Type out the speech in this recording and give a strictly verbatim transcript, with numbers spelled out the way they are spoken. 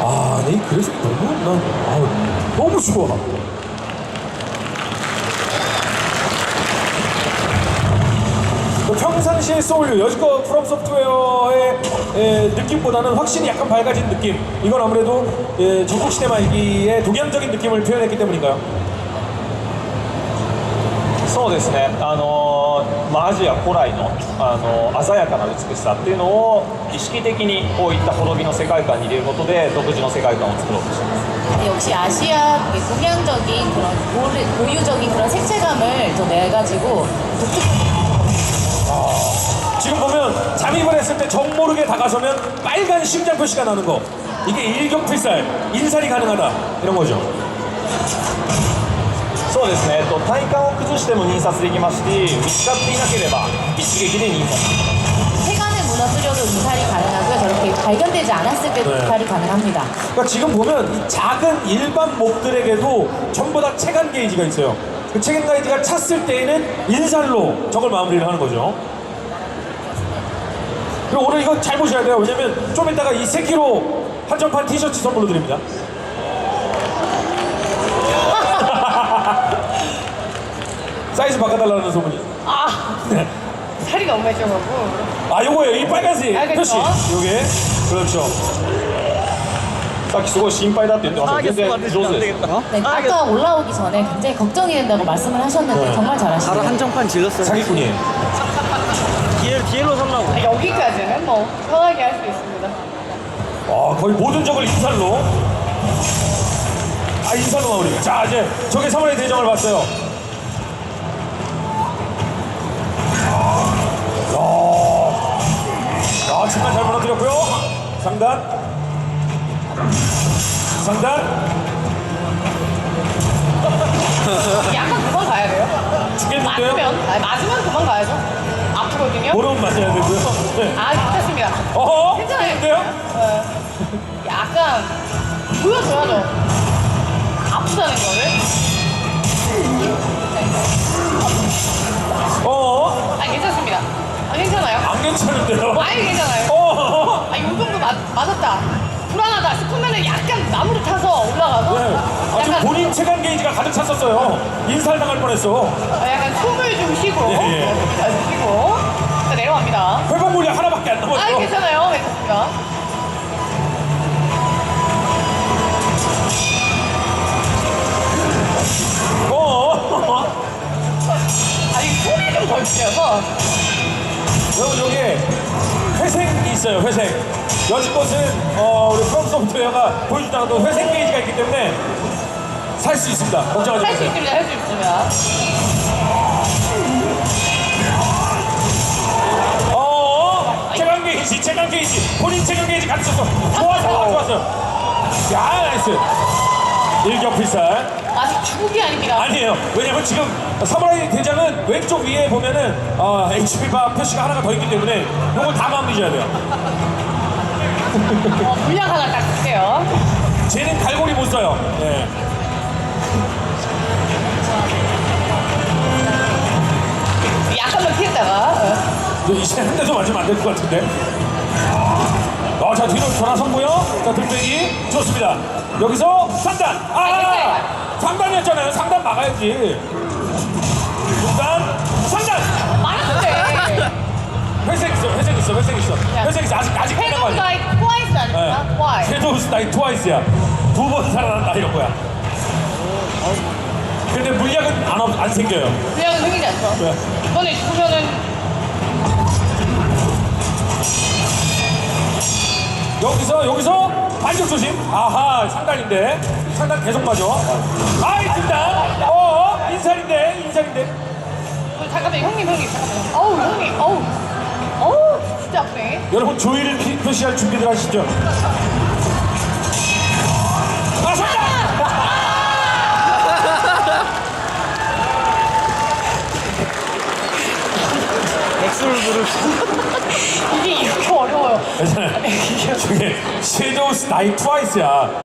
아, 네, 그래서 너무, 난, 아, 너무 좋아. 평상시의 소울류, 여지껏 프롬 소프트웨어의 에, 느낌보다는 확실히 약간 밝아진 느낌. 이건 아무래도 에, 전국시대 말기의 동양적인 느낌을 표현했기 때문인가요? そうですね、あのまあ、アジア古来の、あの鮮やかな美しさっていうのを意識的にこういった滅びの世界観に入れることで独自の世界観を作ろうとしています。 역시 아시아 동양적인 그런 고르, 고유적인 그런 색채감을 더 내가지고 독특한. 지금 보면 잠입을 했을 때 정모르게 다가서면 빨간 심장 표시가 나는 거, 이게 일격필살, 인살이 가능하다 이런 거죠. そうですね、えっと体幹を崩しても印刷できますし、見つかっていなければ一撃で印刷。 세간을 무너뜨려도 인살이 가능하고요. 저렇게 발견되지 않았을 때도 네. 인살이 가능합니다. 그러니까 지금 보면 이 작은 일반 몹들에게도 전부 다 체감 게이지가 있어요. 그 체감 게이지가 찼을 때에는 인살로 적을 마무리를 하는 거죠. 그리고 오늘 이거 잘 보셔야 돼요. 왜냐면 좀 이따가 이 세키로 한정판 티셔츠 선물로 드립니다. 사이즈 바꿔달라는 소문이. 아, 네. 살이 너무 해져가고. 아, 요거예요. 이 빨간색 아, 그쵸? 표시. 요게. 그렇죠. さっきすごい心配だって言ってましたけど、全然上手です。 네, 아까 올라오기 전에 굉장히 걱정이 된다고 말씀을 하셨는데 네. 정말 바로 잘하시네요. 한정판 질렀어요. 사기꾼이에요. 뒤에, 뒤로 살라고. 아, 여기까지는 뭐 편하게 할 수 있습니다. 아, 거의 모든 적을 인살로. 아, 인살로 마무리. 자, 이제 적의 사물의 대정을 봤어요. 야, 야, 정말 잘 무너뜨렸고요. 상단. 상단. 약간 그만 가야 돼요. 죽겠는데요? 맞으면, 아니, 맞으면 그만 가야죠. 아프거든요. 모르면 맞아야 되고요. 네. 아, 괜찮습니다. 어허? 괜찮아요. 죽겠는데요? 네. 약간 보여줘야죠. 아프다는 거를. 어어? 아, 괜찮습니다. 아, 괜찮아요. 안 괜찮은데요? 아니, 괜찮아요. 어허? 아, 이 정도 맞, 맞았다. 불안하다 싶으면은 약간 나무를 타서 올라가서 네. 아, 지금 약간, 본인 체감 게이지가 가득 찼었어요. 인살 당할 뻔했어. 어, 약간 숨을 좀 쉬고 예, 예. 숨을 잘 쉬고 자, 내려갑니다. 회복 물량 하나밖에 안 아, 남았어. 괜찮아요. 괜찮습니다. 어. 아니, 소리 좀 덜 지어서 여러분, 여기에 회색이 있어요. 회색. 여지껏은 어, 우리 프롬 소프트웨어가 보여주지 않았던 회색 게이지가 있기 때문에 살 수 있습니다. 걱정하지 할 수 마세요. 있습니다. 할 수 있습니다. 어, 체감 게이지, 체감 게이지. 본인 체감 게이지 같이 썼어. 좋았어, 좋았어요. 야, 나이스. 일격필살. 아직 죽이 아닙니다. 아니에요. 왜냐면 지금 사무라이 대장은 왼쪽 위에 보면은 어, 에이치피바 표시가 하나가 더 있기 때문에 이걸 다 마무리 줘야 돼요. 어, 물량 하나 딱 쓸게요. 쟤는 갈고리 못 써요. 예. 약간만 피했다가 어. 이제 한 대도 맞으면 안 될 것 같은데. 어, 자, 뒤로 돌아섰고요. 자, 등대기 좋습니다. 여기서 상단. 아, 상단이었잖아요. 상단 막아야지. 중단, 상단. 말았는데 회색 있어, 회색 있어, 회색 있어. 회색 있어. 아직 아직 끝난 거 해동 아니야. 나이 트와이스 아닙니까? 트와이스. 섀도우스 나이 트와이스야. 두 번 살아난다 이런 거야. 근데 물약은 안, 없- 안 생겨요. 물량은 생기지 않죠. 네. 이번에 죽으면은 여기서 여기서 반격 조심. 아하, 상단인데 상단 계속 맞아. 아이, 등단. 어, 인살인데 인살인데. 어, 잠깐만 형님 형님 잠깐만. 어우 형님 어우 어우 진짜 아프네. 여러분, 조이를 피- 표시할 준비들 하시죠. 아, 상단. 백수를 부를 이게 이렇게 어려워요. 괜찮아요. 저게 섀도우스 나이 트와이스야.